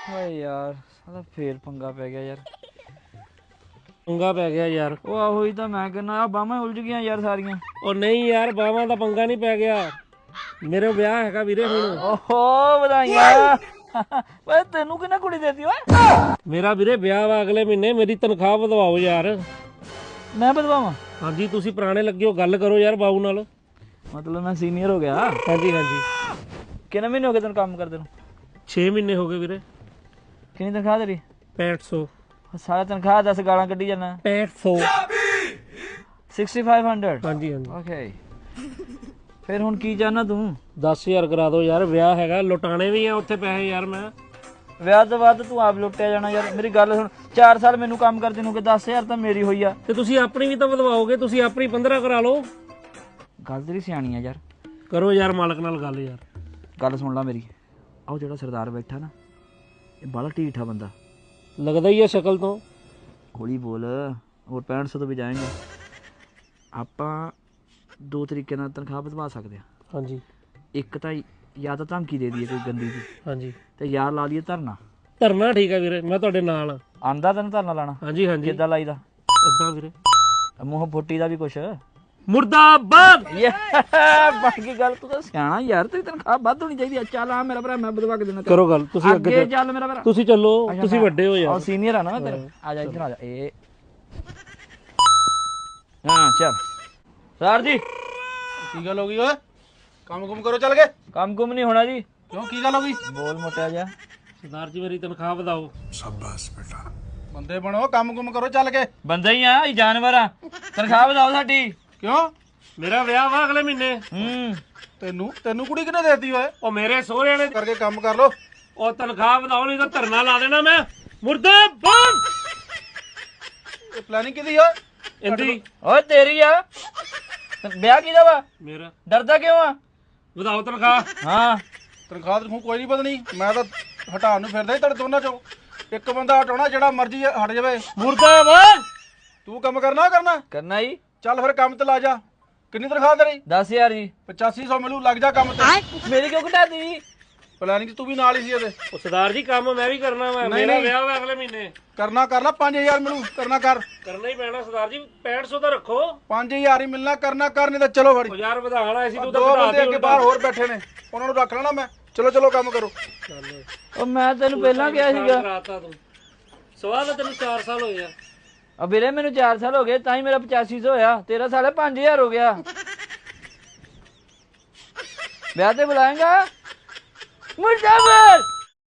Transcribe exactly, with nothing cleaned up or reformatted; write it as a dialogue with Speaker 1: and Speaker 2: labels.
Speaker 1: ਓਏ ਯਾਰ ਸਾਲਾ ਫੇਰ ਪੰਗਾ ਪੈ ਗਿਆ ਯਾਰ।
Speaker 2: ਪੰਗਾ ਪੈ ਗਿਆ ਯਾਰ।
Speaker 1: ਉਹ ਆਹੋ ਹੀ ਤਾਂ ਮੈਂ ਕਹਿੰਦਾ ਆ ਬਾਹਾਂ ਉਲਝ ਗਈਆਂ ਯਾਰ ਸਾਰੀਆਂ।
Speaker 2: ਉਹ ਨਹੀਂ ਯਾਰ ਬਾਵਾਂ ਦਾ ਪੰਗਾ ਨਹੀਂ ਪੈ ਗਿਆ, ਮੇਰੇ ਵਿਆਹ ਹੈਗਾ ਵੀਰੇ ਹੁਣ।
Speaker 1: ਓਹੋ ਵਧਾਈਆਂ। ਓਏ ਤੈਨੂੰ ਕਿਹਨੇ ਕੁੜੀ ਦੇਤੀ ਓਏ?
Speaker 2: ਮੇਰਾ ਵੀਰੇ ਵਿਆਹ ਵਾ ਅਗਲੇ ਮਹੀਨੇ, ਮੇਰੀ ਤਨਖਾਹ ਵਧਵਾਓ ਯਾਰ।
Speaker 1: ਮੈਂ ਵਧਵਾਵਾਂ?
Speaker 2: ਹਾਂਜੀ ਤੁਸੀਂ ਪੁਰਾਣੇ ਲੱਗੇ ਹੋ, ਗੱਲ ਕਰੋ ਯਾਰ ਬਾਊ ਨਾਲ।
Speaker 1: ਮਤਲਬ ਮੈਂ ਸੀਨੀਅਰ ਹੋ ਗਿਆ?
Speaker 2: ਹਾਂਜੀ ਹਾਂਜੀ।
Speaker 1: ਕਿੰਨੇ ਮਹੀਨੇ ਹੋ ਗਏ ਤੈਨੂੰ ਕੰਮ ਕਰਦੇ ਨੂੰ?
Speaker 2: ਛੇ ਮਹੀਨੇ ਹੋ ਗਏ ਵੀਰੇ।
Speaker 1: ਕਿੰਨੀ ਤਨਖਾਹ ਤੇਰੀ?
Speaker 2: ਪੈਂਹਠ ਸੌ।
Speaker 1: ਸਾਰਾ ਤਨਖਾਹ ਦਸ ਗਾਲਾਂ ਕੱਢੀ ਜਾਣਾ।
Speaker 2: ਪੈਂਹਠ ਸੌ।
Speaker 1: Sixty five hundred.
Speaker 2: ਹਾਂਜੀ ਹਾਂਜੀ।
Speaker 1: ਓਕੇ ਫਿਰ ਹੁਣ ਕੀ ਚਾਹਨਾ ਤੂੰ?
Speaker 2: ਦਸ ਹਜ਼ਾਰ ਕਰਾ ਦਿਓ ਯਾਰ, ਵਿਆਹ ਹੈਗਾ, ਲੁਟਾਣੇ ਵੀ ਆ ਉੱਥੇ ਪੈਸੇ ਯਾਰ। ਮੈਂ
Speaker 1: ਵਿਆਹ ਤੋਂ ਬਾਅਦ ਤੂੰ ਆਪ ਲੁੱਟਿਆ ਜਾਣਾ ਯਾਰ। ਮੇਰੀ ਗੱਲ ਸੁਣ, ਚਾਰ ਸਾਲ ਮੈਨੂੰ ਕੰਮ ਕਰਦੇ ਨੂੰ ਕਿ ਦਸ ਹਜ਼ਾਰ ਤਾਂ ਮੇਰੀ ਹੋਈ ਆ।
Speaker 2: ਤੇ ਤੁਸੀਂ ਆਪਣੀ ਵੀ ਤਾਂ ਵਧਵਾਓਗੇ, ਤੁਸੀਂ ਆਪਣੀ ਪੰਦਰਾਂ ਕਰਾ ਲਓ।
Speaker 1: ਗੱਲ ਤੇਰੀ ਸਿਆਣੀ ਆ ਯਾਰ।
Speaker 2: ਕਰੋ ਯਾਰ ਮਾਲਕ ਨਾਲ ਗੱਲ ਯਾਰ।
Speaker 1: ਗੱਲ ਸੁਣ ਲੈ ਮੇਰੀ। ਆਹ ਜਿਹੜਾ ਸਰਦਾਰ ਬੈਠਾ ਨਾ, ਇਹ ਬੜਾ ਢੀਠਾ ਬੰਦਾ
Speaker 2: ਲੱਗਦਾ ਹੀ ਆ ਸ਼ਕਲ ਤੋਂ।
Speaker 1: ਹੌਲੀ ਬੋਲ, ਹੋਰ ਪੈਂਹਠ ਸੌ ਤੋਂ ਵੀ ਜਾਏਂਗੇ। ਆਪਾਂ ਦੋ ਤਰੀਕੇ ਨਾਲ ਤਨਖਾਹ ਵਧਵਾ ਸਕਦੇ ਹਾਂ।
Speaker 2: ਹਾਂਜੀ।
Speaker 1: ਇੱਕ ਤਾਂ ਜਾਂ ਤਾਂ ਧਮਕੀ ਦੇ ਦਈਏ ਕੋਈ ਗੰਦੀ ਜੀ,
Speaker 2: ਹਾਂਜੀ।
Speaker 1: ਤੇ ਯਾਰ ਲਾ ਲਈਏ ਧਰਨਾ।
Speaker 2: ਧਰਨਾ ਠੀਕ ਆ ਵੀਰੇ, ਮੈਂ ਤੁਹਾਡੇ ਨਾਲ ਆ।
Speaker 1: ਆਂਦਾ ਤੈਨੂੰ ਧਰਨਾ ਲਾਣਾ?
Speaker 2: ਹਾਂਜੀ ਹਾਂਜੀ।
Speaker 1: ਕਿੱਦਾਂ ਲਾਈਦਾ?
Speaker 2: ਏਦਾਂ ਵੀਰੇ,
Speaker 1: ਮੂੰਹ ਫੁੱਟੀ ਦਾ ਵੀ ਕੁਛ
Speaker 2: ਮੁਰਦਾਬਾਦ।
Speaker 1: ਬਣ ਗਈ ਗੱਲ। ਤੂੰ ਤਾਂ ਸਿਆਣਾ ਯਾਰ, ਤੇਰੀ ਤਨਖਾਹ ਵੱਧ ਹੋਣੀ ਚਾਹੀਦੀ ਆ। ਚੱਲ ਆ ਮੇਰਾ ਭਰਾ, ਮੈਂ ਵਧਵਾ ਕੇ ਦੇਣਾ।
Speaker 2: ਕਰੋ ਗੱਲ ਤੁਸੀਂ
Speaker 1: ਅੱਗੇ
Speaker 2: ਅੱਗੇ
Speaker 1: ਚੱਲ ਮੇਰਾ ਭਰਾ।
Speaker 2: ਤੁਸੀਂ ਚੱਲੋ, ਤੁਸੀਂ ਵੱਡੇ ਹੋ ਯਾਰ।
Speaker 1: ਸੀਨੀਅਰ ਆ ਨਾ ਮੈਂ ਤੇਰੇ। ਆ ਜਾ ਇੱਧਰ ਆ ਜਾ। ਇਹ ਹਾਂ ਚੱਲ ਸਰ ਜੀ।
Speaker 3: ਕੀ ਗੱਲ ਹੋ ਗਈ ਓਏ? ਕੰਮ ਕੁਮ ਕਰੋ ਚੱਲ ਕੇ।
Speaker 1: ਕੰਮ ਕੁਮ ਨਹੀਂ ਹੋਣਾ ਜੀ।
Speaker 3: ਕਿਉਂ ਕੀ ਗੱਲ ਹੋ ਗਈ?
Speaker 1: ਬੋਲ ਮੋਟਿਆ ਜਾ।
Speaker 2: ਸਰਦਾਰ ਜੀ ਮੇਰੀ ਤਨਖਾਹ ਵਧਾਓ।
Speaker 3: ਸ਼ਾਬਾਸ਼ ਬੇਟਾ। ਬੰਦੇ ਬਣੋ, ਕੰਮ ਕੁਮ ਕਰੋ ਚੱਲ ਕੇ।
Speaker 1: ਬੰਦਾ ਹੀ ਆ, ਇਹ ਜਾਨਵਰ ਆ। ਤਨਖਾਹ ਵਧਾਓ ਸਾਡੀ।
Speaker 3: ਕਿਉਂ?
Speaker 2: ਮੇਰਾ ਵਿਆਹ ਵਾ ਅਗਲੇ ਮਹੀਨੇ।
Speaker 1: ਹੂੰ
Speaker 3: ਤੈਨੂੰ ਤੈਨੂੰ ਕੁੜੀ ਕਿਹਨੇ ਦੇਤੀ ਓਏ?
Speaker 2: ਉਹ ਮੇਰੇ ਸਹੁਰਿਆਂ ਨੇ
Speaker 3: ਕਰਕੇ ਕੰਮ ਕਰ ਲੋ।
Speaker 2: ਉਹ ਤਨਖਾਹ ਵਧਾਓ, ਨਹੀਂ ਤਾਂ ਧਰਨਾ ਲਾ ਦੇਣਾ ਮੈਂ। ਮੁਰਦਾਬਾਦ।
Speaker 3: ਇਹ ਪਲਾਨਿੰਗ ਕਿਹਦੀ ਓਏ?
Speaker 2: ਇੰਦੀ
Speaker 1: ਓਏ ਤੇਰੀ ਆ। ਵਿਆਹ ਕਿਹਦਾ ਵਾ?
Speaker 2: ਮੇਰਾ।
Speaker 1: ਡਰਦਾ ਕਿਉਂ ਆ?
Speaker 2: ਵਧਾਓ ਤਨਖਾਹ।
Speaker 1: ਹਾਂ
Speaker 3: ਤਨਖਾਹ ਤਨਖੂ ਕੋਈ ਨਹੀਂ ਬਦਨੀ। ਮੈਂ ਤਾਂ ਹਟਾਉਣ ਨੂੰ ਫਿਰਦਾ ਹੀ ਤੁਹਾਡੇ ਦੋਨਾਂ ਚੋਂ। ਇੱਕ ਬੰਦਾ ਹਟਾਉਣਾ, ਜਿਹੜਾ ਮਰਜ਼ੀ ਹਟ ਜਾਵੇ।
Speaker 2: ਮੁਰਦਾਬਾਦ।
Speaker 3: ਤੂੰ ਕੰਮ ਕਰਨਾ ਕਰਨਾ
Speaker 1: ਕਰਨਾ ਹੀ।
Speaker 3: ਚੱਲ ਫਿਰ ਕੰਮ ਤੇ ਲਾ ਜਾ। ਕਿੰਨੀ ਤਨਖਾਹ ਤੇਰੀ?
Speaker 1: ਦਸ ਹਜ਼ਾਰ ਜੀ।
Speaker 3: ਪਚਾਸੀ ਸੌ ਮਿਲੂ, ਲੱਗ ਜਾ ਕੰਮ ਤੇ।
Speaker 1: ਮੇਰੀ ਕਿਉਂ ਘਟਾਤੀ?
Speaker 3: ਪਲਾਨਿੰਗ ਤੂੰ ਵੀ ਨਾਲ ਹੀ ਸੀ ਇਹਦੇ।
Speaker 2: ਉਹ ਸਰਦਾਰ ਜੀ ਕੰਮ ਮੈਂ ਵੀ ਕਰਨਾ ਵਾ।
Speaker 3: ਨਹੀਂ,
Speaker 2: ਮੇਰਾ
Speaker 3: ਨਹੀਂ।
Speaker 2: ਵਿਆਹ ਵਾ ਅਗਲੇ ਮਹੀਨੇ।
Speaker 3: ਕਰਨਾ ਕਰ ਲਾ। ਪੰਜ ਹਜ਼ਾਰ ਮਿਲੂ, ਕਰਨਾ ਕਰ।
Speaker 2: ਕਰਨਾ ਹੀ ਪੈਣਾ ਸਰਦਾਰ ਜੀ, ਪੈਂਹਠ ਸੌ ਦਾ ਰੱਖੋ।
Speaker 3: ਪੰਜ ਹਜ਼ਾਰ ਹੀ ਮਿਲਣਾ, ਕਰਨਾ ਕਰ, ਨਹੀਂ ਤਾਂ ਚਲੋ ਫੜੀ।
Speaker 2: ਉਹ ਯਾਰ ਵਧਾਣ ਆਏ ਸੀ ਤੂੰ ਤਾਂ
Speaker 3: ਦੋ
Speaker 2: ਵਧਾ
Speaker 3: ਬੰਦੇ
Speaker 2: ਦੇ
Speaker 3: ਅੱਗੇ ਬਾਹਰ ਹੋਰ ਬੈਠੇ ਨੇ, ਉਹਨਾਂ ਨੂੰ ਰੱਖ ਲੈਣਾ ਮੈਂ। ਚਲੋ ਚਲੋ ਕੰਮ ਕਰੋ।
Speaker 1: ਉਹ ਮੈਂ ਤੈਨੂੰ ਪਹਿਲਾਂ ਕਿਹਾ ਸੀਗਾ।
Speaker 2: ਕਰਾਤਾ ਤੂੰ। ਸਵਾਲ ਤਾਂ ਤੈਨੂੰ ਚਾਰ ਸਾਲ ਹੋਏ ਆ।
Speaker 1: ਆ ਵੀਰੇ ਮੈਨੂੰ ਚਾਰ ਸਾਲ ਹੋ ਗਏ, ਤਾਂ ਹੀ ਮੇਰਾ ਪਚਾਸੀ ਸੌ ਹੋਇਆ। ਤੇਰਾ ਸਾਲੇ ਪੰਜ ਹਜ਼ਾਰ ਹੋ ਗਿਆ। ਵਿਆਹ ਤੇ ਬੁਲਾਏਗਾ? ਮੁਰਦਾਬਾਦ।